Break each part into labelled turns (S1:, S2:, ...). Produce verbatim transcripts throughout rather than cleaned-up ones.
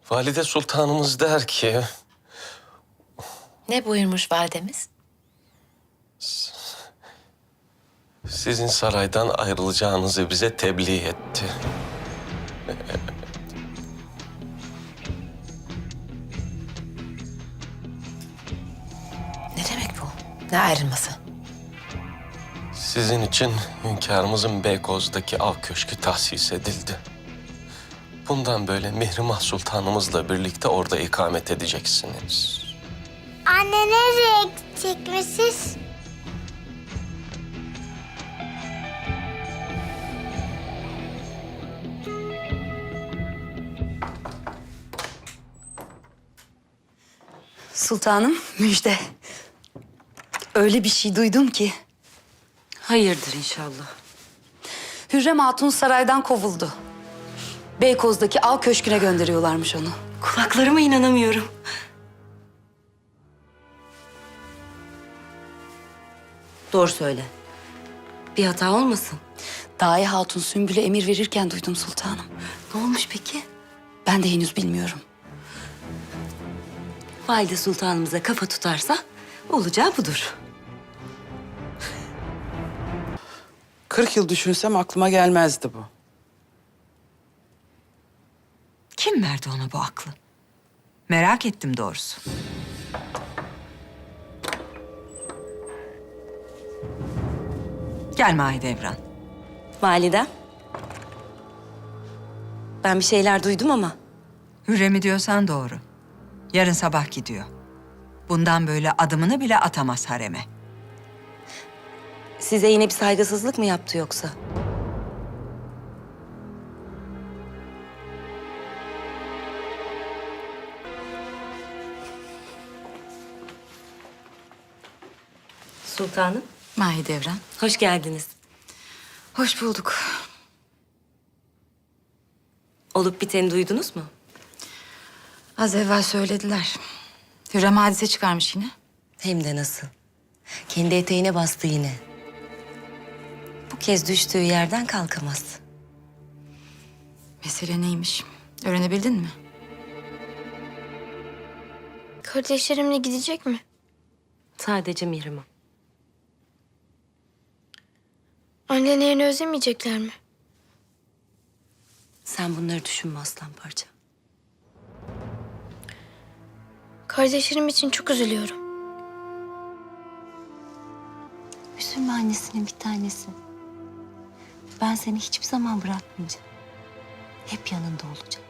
S1: Valide Sultanımız der ki...
S2: Ne buyurmuş validemiz?
S1: Sizin saraydan ayrılacağınızı bize tebliğ etti.
S2: Ne demek bu? Ne ayrılması?
S1: Sizin için hünkârımızın Beykoz'daki av köşkü tahsis edildi. Bundan böyle Mihrimah Sultanımızla birlikte orada ikamet edeceksiniz.
S3: Anne nereye gidecekmişiz?
S4: Sultanım, müjde. Öyle bir şey duydum ki.
S5: Hayırdır inşallah.
S4: Hürrem Hatun saraydan kovuldu. Beykoz'daki av köşküne gönderiyorlarmış onu.
S5: Kulaklarıma inanamıyorum. Doğru söyle. Bir hata olmasın.
S4: Dahi Hatun Sümbül'e emir verirken duydum sultanım.
S5: Ne olmuş peki?
S4: Ben de henüz bilmiyorum.
S5: Valide Sultanımıza kafa tutarsa olacağı budur.
S6: Kırk yıl düşünsem aklıma gelmezdi bu.
S7: Kim verdi ona bu aklı? Merak ettim doğrusu. Gel Mahidevran.
S5: Validem. Ben bir şeyler duydum ama
S7: Hürrem'i diyorsan doğru. Yarın sabah gidiyor. Bundan böyle adımını bile atamaz hareme.
S5: size yine bir saygısızlık mı yaptı yoksa? Sultanım,
S4: Mahidevran.
S5: hoş geldiniz.
S4: Hoş bulduk.
S5: Olup biteni duydunuz mu?
S4: Az evvel söylediler. Hürrem hadise çıkarmış yine.
S5: Hem de nasıl. Kendi eteğine bastı yine. Bu kez düştüğü yerden kalkamaz.
S4: Mesele neymiş? Öğrenebildin mi?
S3: Kardeşlerimle gidecek mi?
S5: Sadece Mihrimah.
S3: Annelerini özlemeyecekler mi?
S5: Sen bunları düşünme aslan parça.
S3: Kardeşlerim için çok üzülüyorum.
S5: Üzülme annesinin bir tanesi. Ben seni hiçbir zaman bırakmayacağım. Hep yanında olacağım.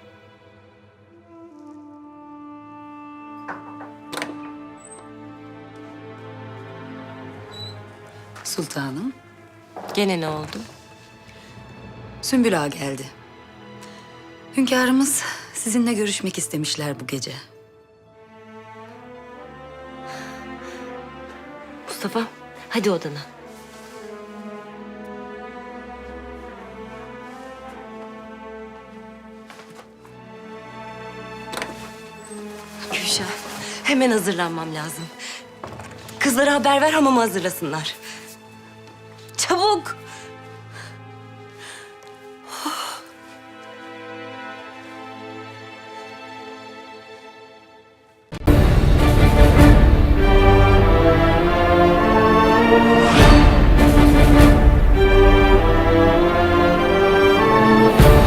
S4: Sultanım.
S5: Gene ne oldu?
S4: Sümbül Ağa geldi. Hünkârımız sizinle görüşmek istemişler bu gece.
S5: Mustafa, hadi odana. Gülşah, hemen hazırlanmam lazım. Kızlara haber ver, hamamı hazırlasınlar.